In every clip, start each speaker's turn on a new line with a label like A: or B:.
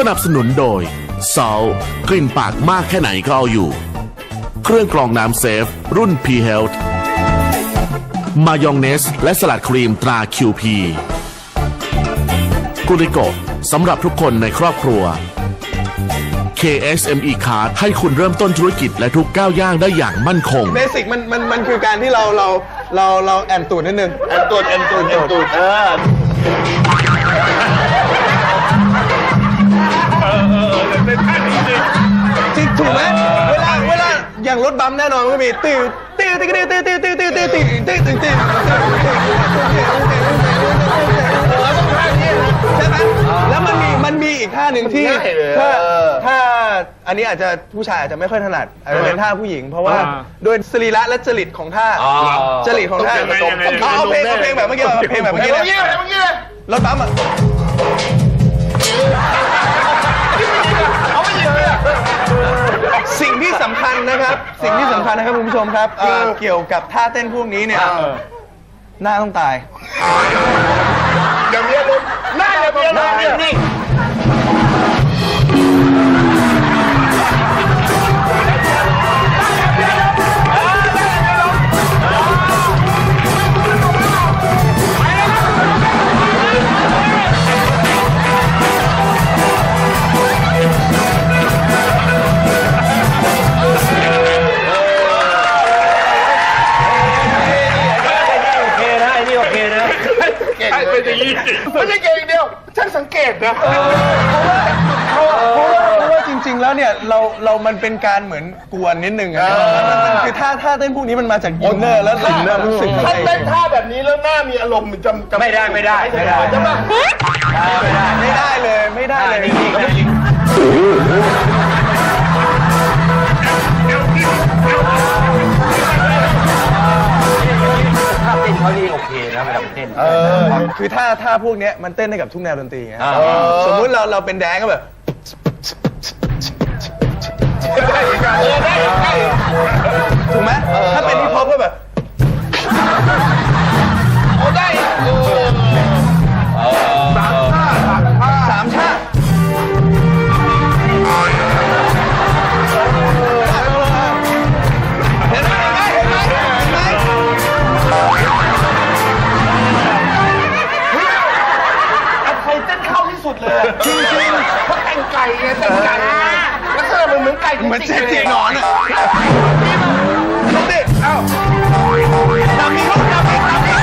A: นับสนุนโดยซอลกลิ่นปากมากแค่ไหนก็เอาอยู่เครื่องกรองน้ำเซฟรุ่น P Health มายองเนสและสลัดครีมตรา QP กุริโกะสำหรับทุกคนในครอบครัว KSME Card ให้คุณเริ่มต้นธุรกิจและทุกก้าวย่างได้อย่างมั่นคง
B: เบสิกมันคือการที่เราแอนตูดนิดนึงแอนตูดจริงถูกไหมเวลาอย่างรถบัมแน่นอนมันก็มีตื้อใช่ไหมแล้วมันมีอีกท่าหนึ่งที่ถ้าอันนี้อาจจะผู้ชายอาจจะไม่ค่อยถนัดอาจจะเป็นท่าผู้หญิงเพราะว่าโดยสรีระและจริตของท่าจริตของท่าเอาเพลงแบบเมื่อกี้รถบัมอ่ะสิ่งที่สำคัญนะครับคุณผู้ชมครับเกี่ยวกับท่าเต้นพวกนี้เนี่ยหน้าต้องตายอย่าเมียลุกหน้าอย่าเมียลุกนี่
C: ไม่ใช่เก่งเดียวช่างสังเกตนะ
B: เพราะว่าจริงๆแล้วเนี่ยมันเป็นการเหมือนกวนนิดนึงนะคือท่าเต้นพวกนี้มันมาจากอินเนอร์แล้วรู้สึก
C: ถ้าเต้นท่าแบบนี้แล้วหน้ามีอารมณ์มันจะ
D: ไม่ได้
C: ใช่ปะ
B: ไม่ได้เลย
D: ถ้าเต้นเขานี่โอเคนะเวลาเต้น
B: คือท่าพวกนี้มันเต้นได้กับทุกแนวดนตรีไงสมมุติเราเป็นแดนก็แบบถูกไหมถ้าเป็นฮิปฮอปก็แบบ
C: ได้
B: สามชา
C: สุดเลยจริงเพราะแต่งไก่ไงแต่งไก่ลักษณะมันเหมือนไก่
B: เหมือนเจ๊จีนอนอ่ะนี่เอ้าดำมีลูกดำมี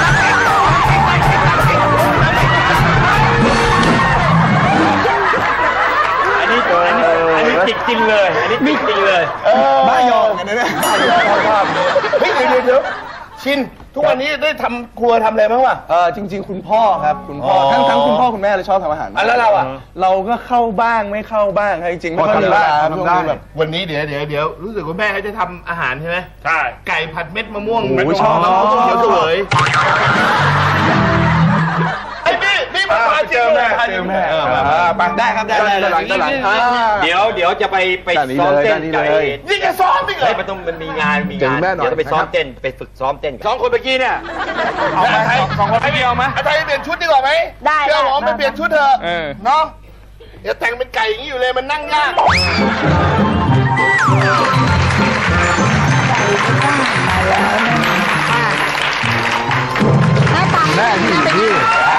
D: อันนี้ติดจริงเลย
B: บ้ายองกันนะเนี่ย
C: เฮ้ยเดี๋ยวชินทุกวันนี้ได้ทำครัวทำอะไรบ้างวะ
B: จริงๆคุณพ่อครับคุณพ่อทั้งคุณพ่อคุณแม่เลยชอบทำอาหาร
C: แล้วเราอ่ะ
B: เราก็เข้าบ้างไม่เข้าบ้างจริงๆไม่ค่อยมีเวลาแบบ
C: วันนี้เดี๋ยวรู้สึกว่าแม่เขาจะทำอาหารใช่ไหม
D: ใช่
C: ไก่ผัดเม็ดมะม่วง
B: ชอบ
C: เขียวเสวยไอ้นี่มาเจอแม่
B: ไปได้ครับได้
D: เดี๋ยวจะไปซ้อมเต้นไก่
C: นี่จะซ้อมอีกเหรอ
D: มันมีงานเดี๋ยวจะไปซ้อมเต้นไปฝึกซ้อมเต้น2 คนเมื่อกี้เนี่ย
C: เอาไหม2 คนให้เดียวไหมไทยเปลี่ยนชุดดีกว่าไหม
E: ได้
C: เชื่อผมไปเปลี่ยนชุดเถอะเนาะอย่าแต่งเป็นไก่อย่างนี้อยู่เลยมันนั่งยาก
E: หน้าตาแม่
B: นี่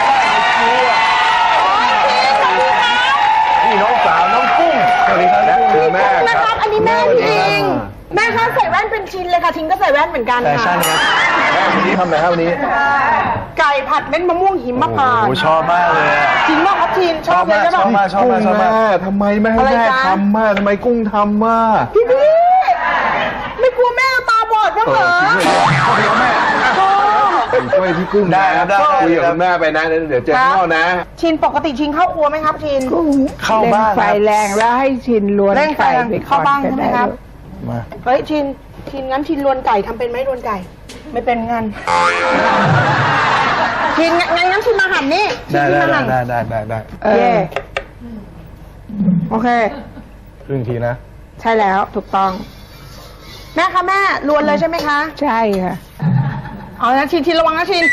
B: น้องสาวน้องกุ้งสวัสดีครับคือแม่
E: นะครับอันนี้แม่ทิงแม่คะใส่แว่นเป็นชิ้นเลยค่ะทิงก็ใส่แว่นเหมือนกันค่ะ
B: แม่วันนี้ทำอะไรครับวันนี้
E: ไก่ผัดเม็ดมะม่วงหิมพานต์
B: ชอบมากเลย
E: จริงมากครับทินชอบเลยใช่ไหม
B: ชอบมากทำไมไม่ให้แม่ทำมากทำไมกุ้งทำมาก
E: พี่ไม่กลัวแม่ตาบอดบ้างเหรอ
B: ช่วยพี่กุ้งได้ครับได้คุยกับคุณแม่ไปนะเดี๋ยวเจอข้าวนะ
E: ชินปกติชินเข้าครัวไหมครับชิน
B: เข้าบ้าง
F: ไฟแรงแล้วให้ชินล้วนไก่ไป
E: เข้าบ้างใช่ไหมครับ
B: มา
E: เฮ้ยชินงั้นชินล้วนไก่ทำเป็นไหมล้วนไก่ไม่เป็นงั้นชินงั้นชินมาหั่นนี่
B: ได้
E: โอเค
B: ครึ่งทีนะ
E: ใช่แล้วถูกต้องแม่คะแม่ล้วนเลยใช่ไหมคะ
F: ใช่ค่ะ
E: เอานะชินระวังนะชิน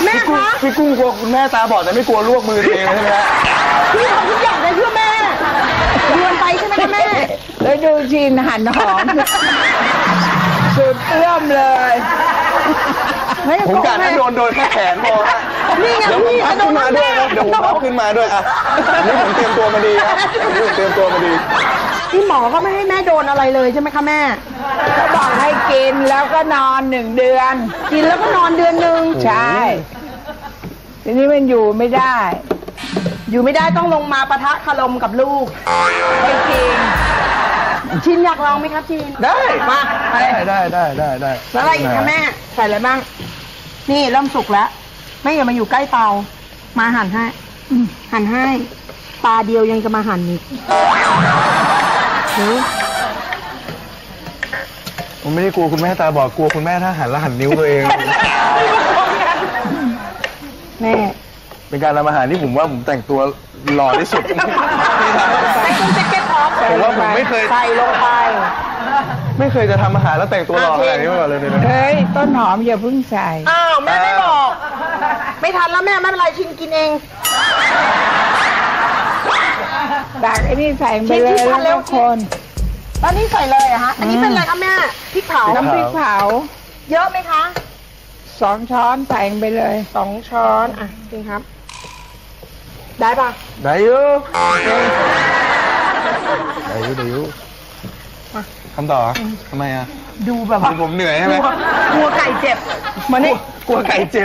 E: แม่คะ
B: พี่กุ้งกลัวคุณแม่ตาบอดแต่ไม่กลัวลวกมือตัวเองใช่ไหมฮะ
E: พี่ทำทุกอย่างเลยเพื่อแม่เดือนไปใช่ไหมคะแม่
F: แล้วดูชินหั่นหอม สุดเอื้อมเลย
B: ผมกะให้โดนแค่แขนพอฮะ
E: นี่ไง
B: เดี๋ยวผม
E: พี่
B: พับขึ้นมาด้วยนะเดี๋ยวผมพับขึ้นมาด้วยอ่ะนี่ผมเตรียมตัวมาดีครับนี่ผมเตรียมตัวมาดี
E: พี่หมอก็ไม่ให้แม่โดนอะไรเลยใช่ไหมคะแม่
F: เขาบอกให้กินแล้วก็นอน1 เดือน
E: กินแล้วก็นอนเดือนหนึ่ง
F: ใช่ ทีนี้มันอยู่ไม่ได้
E: อยู่ไม่ได้ต้องลงมาปะทะคารมกับลูก
F: ไม่จริง
E: ชินอยากลองไหมครับชิน
B: ได้
E: มาไป
B: ได้
E: แล้วอะไรอีกคะแม่ ใส่อะไรบ้าง นี่เริ่มสุกแล้วแม่อย่ามาอยู่ใกล้เตา มาหั่นให้หั่นให้ ตาเดียวยังจะมาหั่นอีก
B: ผมไม่ได้กลัวคุณแม่ตาบอดกลัวคุณแม่ถ้าหันแล้วหันนิ้วตัวเอง
E: แม่
B: เป็นการทำอาหารที่ผมว่าผมแต่งตัวหล่อที่สุด
E: ใส่ตุ้งแจ็คเก็ตท็อป
B: ผมว่าผมไม่เคย
E: ใส่ลงไป
B: ไม่เคยจะทำอาหารแล้วแต่งตัวหล่อขนาดนี้มาก่อนเลยนะ
F: เฮ้ย ต้นหอมอย่าเพิ่งใส่
E: อ้าวแม่ไม่บอก ไม่ทันแล้วแม่ไม่เป็นไรชินกินเอง
F: ตักไอ้นี่ใส่ไปเลย
E: ชิม
F: แล้ว
E: เร็
F: ก็
E: ว
F: คน
E: ตอนนี้ใส่เลยเหรอะฮะ อันนี้เป็นอะไรคะแม่พริกเผา
F: น้ำพริกเผา
E: เยอะไหมคะ
F: 2 ช้อนใส่ไปเลย
E: 2 ช้อนอ่ะจริงครับ ได้ปะ
B: ได้อยูได้อยูทำต่อทำไมอ่ะ
E: ดูแบบว่า
B: ผมเหนื่อยใช่ไหม
E: กลัวไก่เจ็บมานี่
B: กลัวไก่เจ็บ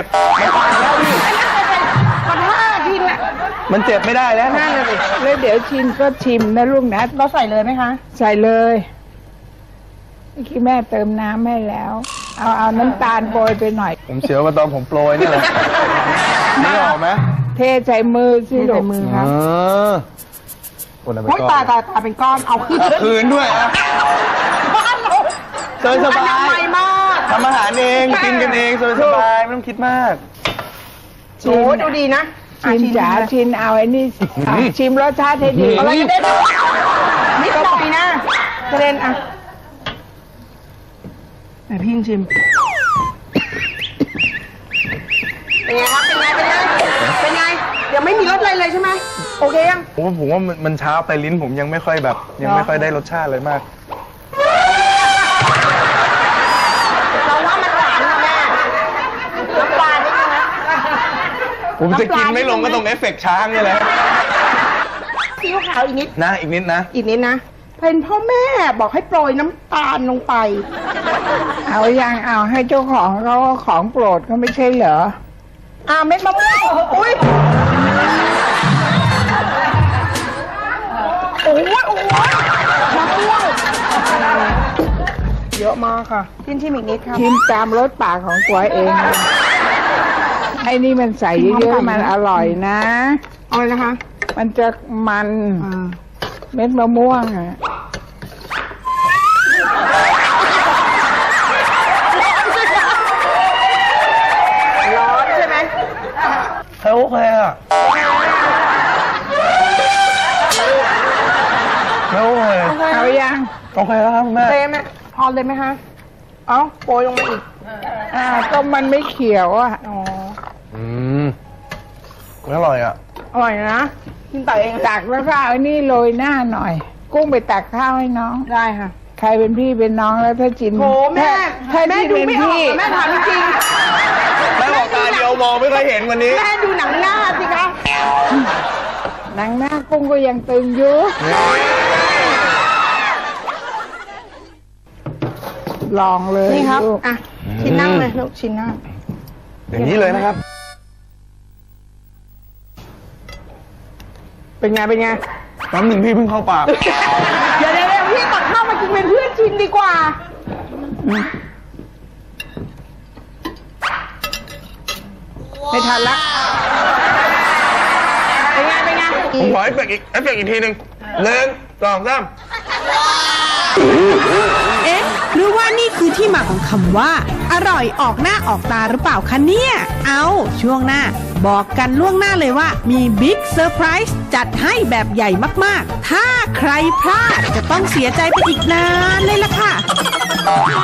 E: มันท่ากินอ่ะ
B: มันเจ็บไม่ได้แล้ว
E: นั่นเลย
F: แล้วเดี๋ยวชิมก็ชิมนะลูกนะ
E: เราใส่เลยไหมคะ
F: ใส่เลยเมื่อกี้แม่เติมน้ำให้แล้ว เอาน้ำตาลโปรยไปหน่อย
B: ผมเสียวมาตอนผมโปรยนี่แหละไม่ออกไหม
F: เทใส่มือสิลูก
E: มือครับ
B: คนละไป
E: โอ้ย
B: ก่อน
E: ตายเป็นก้อน เอาขึ้น
B: คืนด้วยอ่ะ
E: บ้านเรา
B: สบาย
E: อนามัยมาก
B: ทำอาหารเองกินกันเองสบายไม่ต้องคิดมาก
E: โอ้ยดูดีนะอ่ะ
F: ชิมจ๋าชิมเอาไอ้นี่อ่ะชิมรสชาติให้ดี
E: อะไรกระเด็นนิดหน่อยนะกระเด็นอ่ะไหนพี่ยิงชิม เป็นไงครับ เป็นไง เป็นไง เดี๋ยวไม่มีรสอะไรเลยใช่ไหมโอเคยัง
B: ผมว่ามันช้าไปลิ้นผมยังไม่ค่อยแบบ ยังไม่ค่อยได้รสชาติเลยมาก
E: เราว่ามันหวานนะแม่น้ำปลานิดนึงนะ
B: ผมจะกินไม่ลงก็ตรงเอฟเฟกต์ช้างนี่แหละ
E: ซีอิ๊วขาวอีกนิด
B: นะอีกนิดนะ
E: อีกนิดนะ เป็นพ่อแม่บอกให้โปรยน้ำตาลลงไป
F: เอายังเอาให้เจ้าของเขาของโปรดเขาไม่ใช่เหรอ
E: เม็ดมะม่วงอุ้ยโอ้ยมะม่วงเยอะมากค่ะชิมอีกนิดครับ
F: ชิมตามรสปากของตัวเองนะไอ้นี่มันใส่เยอะๆมันอร่อยนะ
E: เอาเลยนะคะ
F: มันจะมันเม็ดมะม่วงอ่ะ
E: ร้อนใช่ไหม
B: โอเคอ่ะโอเค
F: เอายัง
B: โอเคแล้วครับแม่
E: เต็มไหมพอเลยไหมคะเอาโปรยลงมาอีก
F: ก็มันไม่เขียวอ่ะ
E: อ๋อ
B: อร่อยอ่ะ
E: อร่อยนะกินแต่เอง
F: ตักแล้วก็เอาไอ้นี่โรยหน้าหน่อย กุ้งไปตักข้าวให้น้อง
E: ได้ค่ะ
F: ใครเป็นพี่เป็นน้องแล้วถ้าจิน
E: โถแม่
F: ถ้า
E: แม่
F: จิน
E: ดู
F: เป็น
E: ไม่ออก
F: พี่
E: แม่ถามจริง
B: แม่บอกตาเดียวมองไม่เคยเห็นวันนี้
E: แม่ดูหนังหน้าสิคะ
F: หนังหน้ากุ้งก็ยังตึงอยู่ ลองเลย
E: นี่ครับ
F: ลูก
E: อ่ะชิ้นนั่งเลยลูกชิ้นนั่ง
B: อย่างนี้เลยนะครับ
E: เป็นไงเป็นไง
B: น้ำหนึ่งพี่เพิ่งเข้าปาก
E: เดี๋ยวพี่ตักข้าวมากินเป็นเพื่อนชินดีกว่า
F: ไม่ทันละ
E: เป็นไงเป็นไง
B: ผมขอเอฟเฟกต์อีกทีหนึ่ง1 2 3
G: เอ๊ะ หรือว่านี่คือที่มาของคำว่า อร่อยออกหน้าออกตาหรือเปล่าคะเนี่ย เอาช่วงหน้า บอกกันล่วงหน้าเลยว่ามีบิ๊กเซอร์ไพรส์จัดให้แบบใหญ่มากๆ ถ้าใครพลาดจะต้องเสียใจไปอีกนานเลยล่ะค่ะ